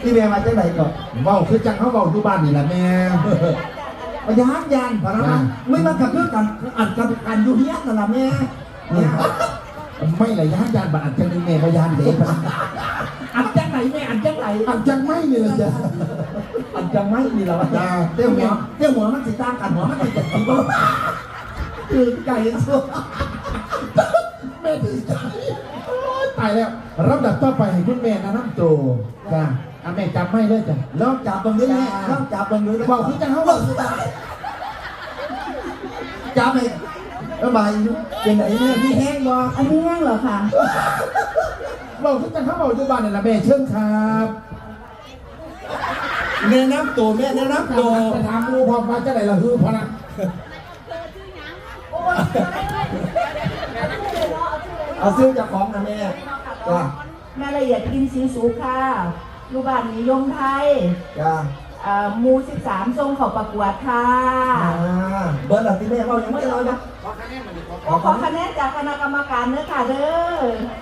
ที่แม่มาจากไหนก่อนเว้าคือจังเขาเว้าอยู่บ้านนี่แหละแม่มายานยานพนักงานไม่มากับเรื่องกันอัดกับอันอยู่เฮียนั่นแหละแม่เนี่ยไม่เลยย่านบ้านอันจังนึงแม่บ่ย่านเด็กอัดจากไหนแม่อัดจากไหนอันจังไม่นี่ล่ะจ้ะอัดจากไม่มีแล้วจ้าเตี้ยหัวมันสิตั้งกันหัวมันสิจะตีบ้าคือไก่สุดแม่ดีใจตายแล้วรับดับต่อไปให้คุณแม่นะน้ำตัวจ้ะแม่จำไม่เลยจ้ะลองจับตรงนี้แม่ลองจับตรงนี้เว้าคือจังเขาเว้าจับไประบายเป็นไหนเนี่ยพี่แห้งบ่อันนี้แห้งเหรอคะเว้าคือจังเขาเว้าอยู่บ้านนี่ล่ะแม่เชิญครับแนะนำตัวแม่แนะนำตัวไปถามหมู่พร้อมว่าจะได้ละฮือพอนะเอาซื้อจากของนะแม่จ้าแม่ละเอียดกินสีสูค่ะรูบ้านนิยมไทยจ้าหมู่13ทรงเขาประกวดค่ะเบอร์หลักที่แม่เรายังไม่เรานะขอคะแนนจากคณะกรรมการเนื้อค่ะเด้อ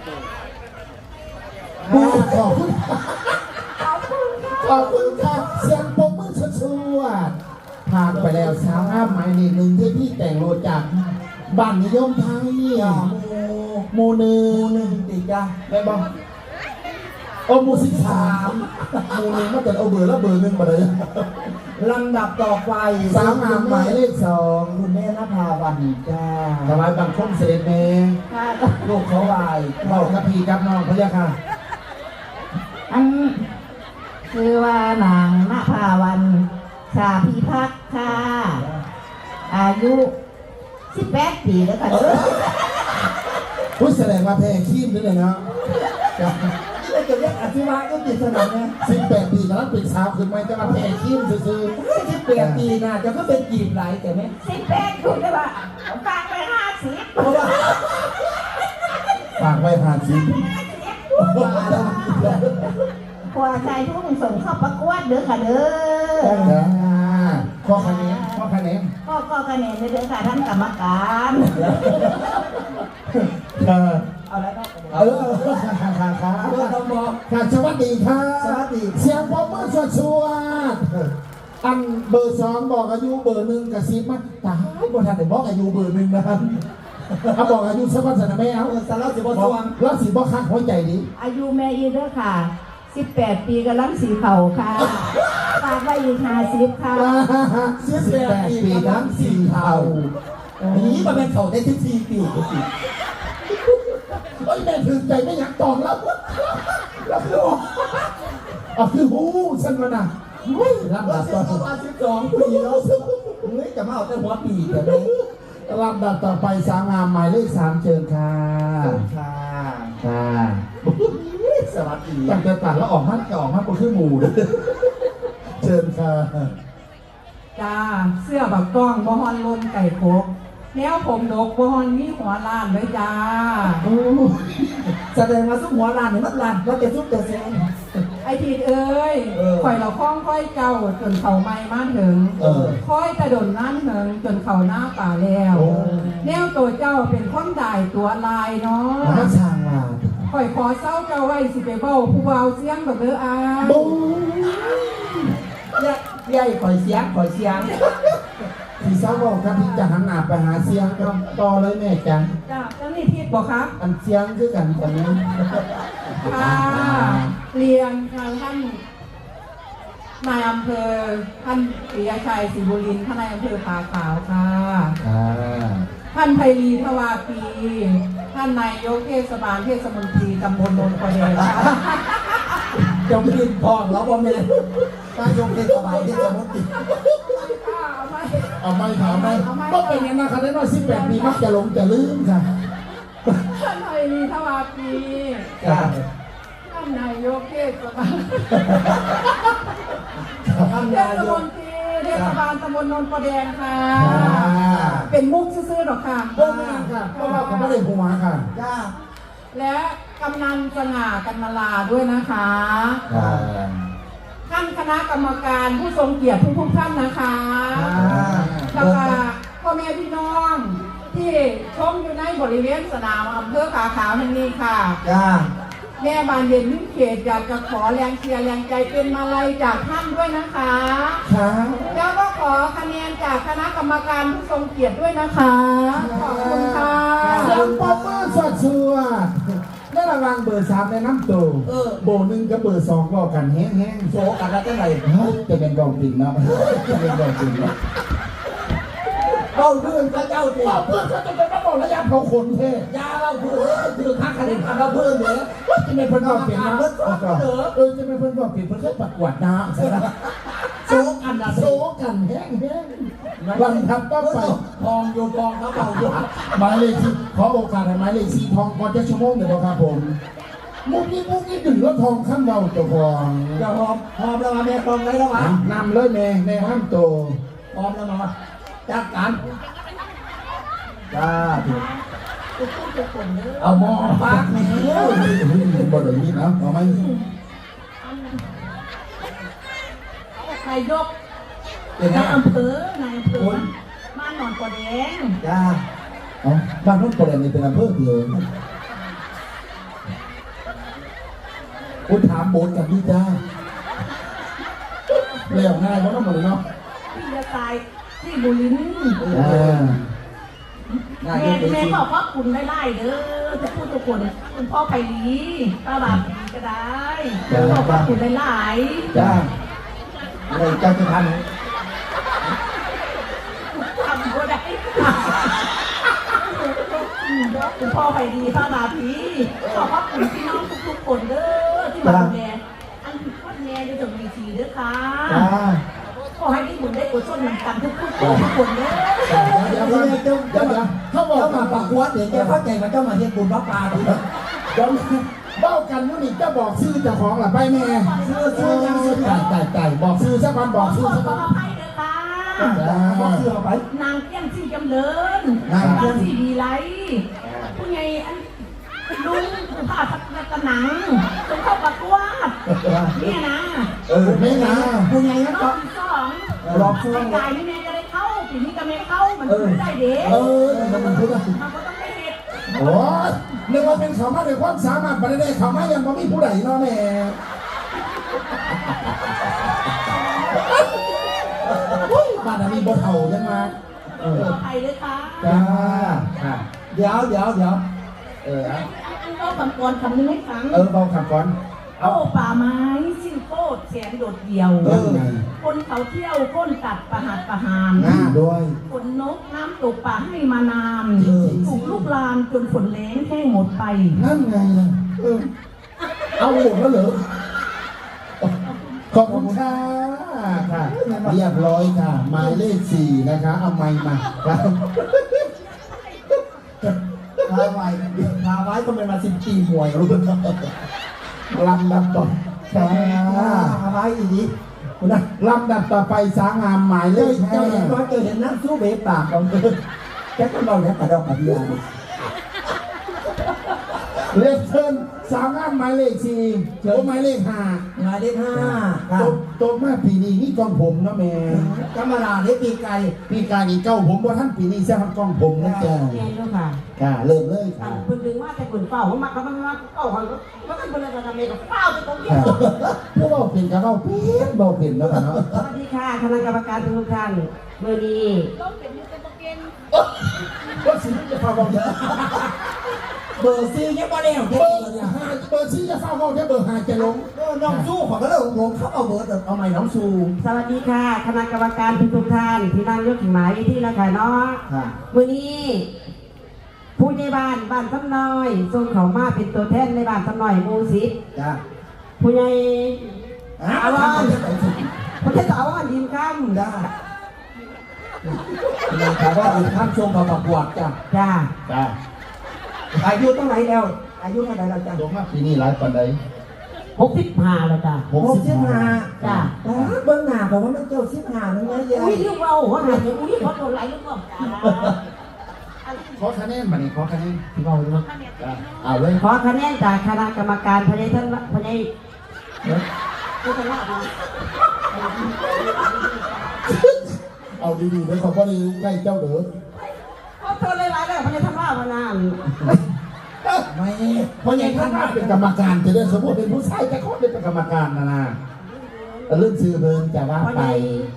ขอบคุณขอบคุณค่ะขอบคุณค่ะเสียงปรบมือชัวร์ผ่านไปแล้วสาวงามหมายเลขหนึ่งที่พี่แต่งโลจากบ้านนิยมไทยหมู่หนึ่งติดจ้าได้บ้างโอ้หมู่13หมู่หนึ่งมาแต่เอาเบอร์แล้วเบอร์หนึ่งมาเลยลำดับต่อไปสาวงามหมายเลข2 คุณแม่นภาวันจ้าถวายบังคมเสด็จแม่ค่ะลูกเขาวายเบากับพี่กับน้องพะยะค่ะอันคือว่านางณภาวันชาพิพักษ์ค่ะ อายุ18 ปีแล้วค่ะเด้อพูดแสดงว่าแพ้ขี้มด้วยเลยเนาะนี่จะเรียกอธิวะก็ติดสนามเนี่ย 18 ปีกำลังเป็นสาวขึ้นมาจะมาแพ้ขี้มซื่อ 18 ปีนะจะก็เป็นจีบไหลแต่ไม่ 18คุณได้ป่ะฝากไป50 เพราะว่าๆฝากไว้ผ่านสิมาแล้วพอชายทุ่งส่งเข้าประกวดเด้อค่ะเด้อข้อคะแนนข้อคะแนนก็คะแนนเด้อค่ะท่านกรรมการเอาแล้วก็ค่ะเบอร์ต้องบอกค่ะสวัสดีค่ะสวัสดีเสียงปรบมือชัวร์ๆอันเบอร์2บอกอายุเบอร์1กับซิบมาตายบ่ทันได้บอกอายุเบอร์1นะครับเอาบอกอายุสักวันสนะแม่เอาสารสิบบอกสวงแล้วสิบ่คักหัวใจดิอายุแม่อีเด้อค่ะ18 ปีกำลังสีเข่าค่ะฝากไว้อีก50ค่ะ 18 ปีทั้ง4เท่านี้มันเป็นเขาได้ที่4 ปีโอ้ยแม่ถึงใจไม่อยากตอบแล้วแล้วคือคือหูฉันมาน่ะเฮ้ยลำว่าดับเสีต่ยองประมาณ12 ปีแล้วเฮ้ยจะมาเอาแต่หัวปีแต่ไม่ลำดับต่อไปสาวงามหมายเลข3เชิญค่ะค่ะค่ะสวัสดีตั้งแต่ตัดแล้วออกมาก็ออกมาเป็นขึ้นหมู่เลยเชิญค่ะจ้าเสื้อบักกล้องบ่ฮอนลนไก่โคกแนวผมดกบ่ฮอนมีหัวล้านเลยจ้าแสดงมาซุ้มหัวลานเนี่ยมันลานว่าจะซุ้มแต่เสียงไอทีดเอ้ยข่อยเราคล้องค่อยเก่าจนเขาไม่มาถึงค่อยกระโดดนั่นเหิงจนเขาหน้าป่าแล้ว แนวตัวเจ้าเป็นคนได้ตัวลายเนาะมาช่างว่าข่อยขอเศร้าเจ้าไว้สิไปเบ้าผู้เบาเสียงแบบเด้ออาบุ้งใหญ่ข่อยเสียงข่อยเสียงพี่สาวบอกครับพี่จะหันหน้าไปหาเสียงก็ต่อเลยแม่จังจ้าเจ้านี่ทิดบอกครับอันเสียงคือกันกันนี้ค่ะเรียนทางท่านนายอำเภอท่านปิยชัยศรีบุรินทร์ท่านนายอำเภอผาขาวค่ะ ท่านไพรีทวาปีท่านนายกเทศบาลเทศมนตรีตำบลโนนทะเลค่ะจะกินทองแล้วบ่แม่นายกเทศบาลเทศมนตรีเอาไม่ถามไหมก็เป็นอย่างนั้นค่ะได้น้อย18 ปีมักจะหลงจะลืมค่ะท่านไพรีทวาปีจ้าท่านนายกเทศบาลท่านเทนาศยมกนตรีเทศบาลตำบลโนนทะเลค่ะ เป็นมุกซื่อๆหรอกค่ะก็ไม่ค่ะเพราะว่าเขาไม่ได้หัวค่ะจ้าและกำนันสง่ากันมาลาด้วยนะคะ ท่านคณะกรรมการผู้ทรงเกียรติทุกท่านนะคะแล้วก็พ่อแม่พี่น้องที่ชมอยู่ในบริเวณสนามอำเภอขาขาวแห่งนี้ค่ะจ้าแม่บานเย็นมิ่งเขตอยากจะขอแรงเชียร์แรงใจเป็นมาลัยจากท่านด้วยนะคะค่ะแล้วก็ขอคะแนนจากคณะกรรมการผู้ทรงเกียรติด้วยนะคะ ขอบคุณค่ะเสียงปรบมือสดชัวในระหว่างเบอร์3ในน้ำตัวโบ1กับเบอร์2ก็กันแห้งๆโซกันแล้วจะไหนจะเป็นกองปิ่นเนาะจะเป็นกองปิ่นเนาะเอาเรื่องพระเจ้าสิเพื่อนเขาจะเป็นระบบระยะเขาขนเท่ยาเราเพื่อนคือคักคะแนนเราเพื่อนเนี่ยจะเป็นเพื่อนกองปิ่นเนาะจะเป็นเพื่อนกองปิ่นเพื่อนเขาประกวดนะใช่ไหมโซกันนะโซกันแห้งๆวันทับต้องไปทองโยทองเขาเป่าโยหมายเลขที่ขอโอกาสให้หมายเลข4ทองก่อนจะชั่วโมงเดียวครับผมมุกนี้ดึงแล้วทองข้ามเราเจ้าของจะหอมแล้วมาแม่ตองได้แล้วมานำเลยแม่ห้ามโตหอมแล้วมาจัดการจ้าเอาหม้อปากแม่บ่ได้ยินนะเอาไหมนายกเป็นไงนายอำเภอนายอำเภอบ้านหนอนกว่าแดงจ้าเอาบ้านนู้นประเด็นนี้เป็นอำเภอเดียวคุณถามโบนกับพี่จ้าเรียกง่ายเพราะน้ำมันเนาะพี่จะตายที่บุรินทร์นายแม่กเป็นแม่จริงบอกว่าคุณไล่เด้อจะพูดทุกคนคุณพ่อไปลีป้าบาปีก็ได้บอกว่าคุณไล่จ้าเลยเจ้าจะทันทำก็ได้คุณพ่อไปดีป้าบาปีบอกว่าคุณพี่น้องทุกๆคนเด้อที่มาดูแลอันพ่อแม่จะจงมีทีเด้อค่ะจ้าขอให้ที่บุญได้กุศลนำกันทุกคนเด้อเดี๋ยวเขาบอกมาปากวัดเดี๋ยวแกเข้าใจมันเจ้ามาเฮ็ดบุญพระป่าทีเดี๋ยวเบ้ากันนู่นนี่จะบอกชื่อเจ้าของหรือไปแม่ชื่อยังชื่อไก่บอกชื่อสักวันบอกชื่อสักขวัอน อภัยเด้อค่ะบอกเสื้อไปนางเกี้ยนซี่จำเริญนางซี่ดีไรผู้ใหญ่อันลุงผู้ผ่าตะหนังจงเข้าประกวดเนี่ยนะแม่นะคุณไงรนะอบที่สองรอบช่วงกายนี่แม่จะได้เข้าปีนี้ก็ไม่เข้ามันได้เด็กมันพูดว่ามันก็ต้องได้เห็ดโอ้ยเรียกว่าเป็นเขามาด้วยความสามารถประเด็นเขามายังไม่ผู้ใดเนาะแม่บ้านนี้บ่เท่ายังมาขออภัยเลยค่ะจ้าเดี๋ยวก็คำกรคำนึงให้ฟังเบาขับก่อนโอ้ป่าไม้สิ้นโคตรแสนโดดเดี่ยวไงคนเขาเที่ยวก้นตัดประหัตประหารหน้าด้วยฝนนกน้ำตกป่าให้มานานถูกลูกลานจนฝนแล้งแห้งหมดไปนั่นไงล่ะเอาหมดแล้วเหรอขอบคุณค่ะค่ะเรียบร้อยค่ะหมายเลข4นะคะเอาไม้มาครับพาไว้ก็เป็นมา14หวยรู้ลำดับต่อค่ะพาไว้อีกคุณนะลำดับต่อไปสางงามหมายเลขเจ้าเห็นว่าเจอเห็นน้ำสู้เบปากของเธอแค่ก็เราเนี่ยกระดอกกระเดียเลขเชิญสางงามหมายเลข4โอ้หมายเลข5 หมายเลข5ครับโตมาปีนี้นี่กองผมนะแม่ธรรมดาได้ปีไก่ปีกายนี่เก้าผมว่าท่านปีนี้ใช่ครับกองผมนะจ๊ะแม่ลูกค่ะค่ะเริ่มเลยค่ะเพิ่นดึงว่าแต่คนเฝ้ามาก็มันมาเฝ้าเขาก็เป็นคนอะไรกันเองก็เฝ้าไปตรงนี้ผู้บอกเป็นกับเราเป็นบอกเป็นแล้วกันเนาะสวัสดีค่ะคณะกรรมการทุกท่านเมื่อนี้ก็สิจะฟังบอกเยอะเบอร์ซียังไม่ได้เอาเบแค่อร์เดียวห้าเบอร์ชี้จะฟังบอกแค่เบอร์5จะลงน้องสู้ของก็เลยลงเขาเอาเบอร์เอาใหม่น้องสู้สวัสดีค่ะคณะกรรมการทุกท่านที่นั่งยกถึงหมายที่ละค่ะเนาะมื่อนี้ผู้ในบ้านซ้ำน้อยส่งเขามาเป็นตัวแทนในบ้านซ้ำน้อยหมู่10 จ้าผู้ใหญ่อาวานผู้ใหญ่สาวอันดินคำจ้าถามว่าอีกท่านชมเขาประกวดจ้าจ้าจ้าอายุเท่าไหร่แล้วอายุเท่าไหร่แล้วจ้าลงมาปีนี้หลายปันใด 65แล้วจ้า 65 จ้าเบิ้งหน้าบอกว่ามันเจ้า15นั่นไงยาอุ้ยยเรื่องเราว่าหาจะอุ้ยเขาโดนไหลลูกบอกจ้าขอคะแนนมานี่ขอคะแนนเราเนาะเอาเลยขอคะแนนจากคณะกรรมการพนัยท่านพนัยผู้ชนะมาเอาดีๆเลยขอพอดีใกล้เจ้าเด้อเขาโทรเลยหลายแล้วพนัยท่านว่าพนานไม่เพราะยังท่านว่าเป็นกรรมการจะได้สมมติเป็นผู้ชายจะขอเป็นกรรมการนะเรื่องซื้อเบิร์นจะว่าพ่อไปใหญ่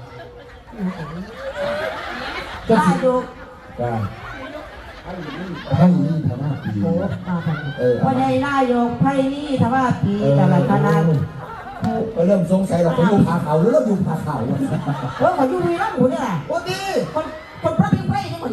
ก็นายสิยกได้ให้นี่ทำหน้าปีพ่อใหญ่นายกไพ่นี่ทว่าปีแต่ละคณะเริ่มสงสัยเราไปอยู่ผาเขาหรือเราอยู่ผาเขาว่าเขาอยู่วีรัมย์หมูเนี่ยโอ้ดีคนพระพิมพ์ไพ่นี่มัน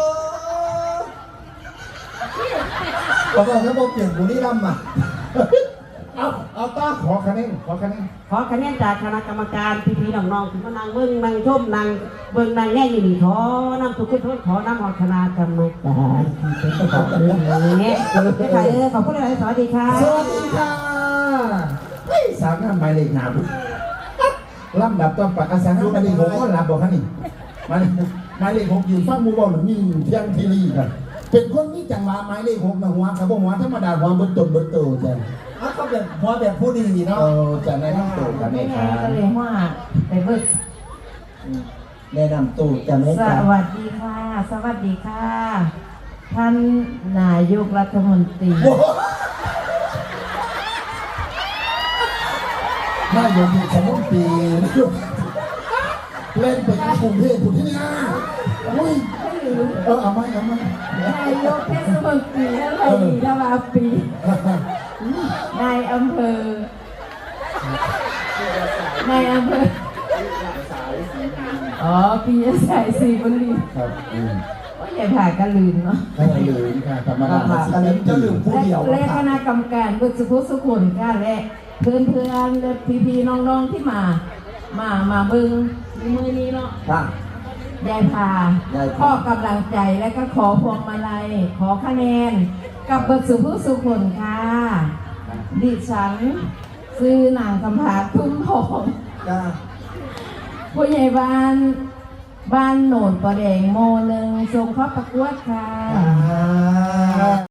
เราบอกแล้วบอกเปลี่ยนบุรีรัมย์อ่ะเอาต้าขอคะแนนขอคะแนนจากคณะกรรมการพี่ๆน้องๆที่มานั่งเบิ้งนั่งชมนั่งเบิ้งนั่งแง่อยู่นี่ขอนำทุกคนขอนำของคณะกรรมการที่เป็นขอบเรื่องนี้ไม่ใช่ขอบคุณหลายสวัสดีค่ะสวัสดีค่ะเฮ้ยสามงามหมายเลขหนามลำดับต้นปากอาสาหมายเลข6ก็รับบอกค่ะนี่หมายเลข6อยู่ฟังมูบอลหรือมีเที่ยงทีรีกันเป็นคนมีจังหวะหมายเลข6นะหัวครับหัวธรรมดาหัวบนต้นบนโตจ้ะเขาแบบหัวแบบผู้ดีเนาะจะแนะนำตัวกันไหมไม่คไงรับก็เลยว่าไปเบิ้งแนะนำตู้จะไม่สวัสดีค่ะ สวัสดีค่ะ ท่านนายกรัฐมนตรีนายกเทศมนตรีเล่นเป็นกรุงเทพฯที่นี่อุ้ยเอาไหมนายกเทศมนตรีอะไรดีทวาปีนายอำเภออ๋อปีสายสีบุรีครับว่าอย่าผ่ากันลืมเนาะไม่ลืมค่ะธรรมดากันเลยจะลืมผู้เดียวและคณะกรรมการบุตรสุภสุขุนค่ะและเพื่อนๆและพี่ๆน้องๆที่มาเบิ่งมือนี้เนาะค่ะยายพาข้อกำลังใจและก็ขอพวงมาลัยขอคะแนนกับบุตรสุภสุขุนค่ะดิฉันซื้อนางคำผาทุ่มทองจ้าผู้ใหญ่บ้านโหนนประแดงโมหนึ่งส่งเข้าประกวดค่ะ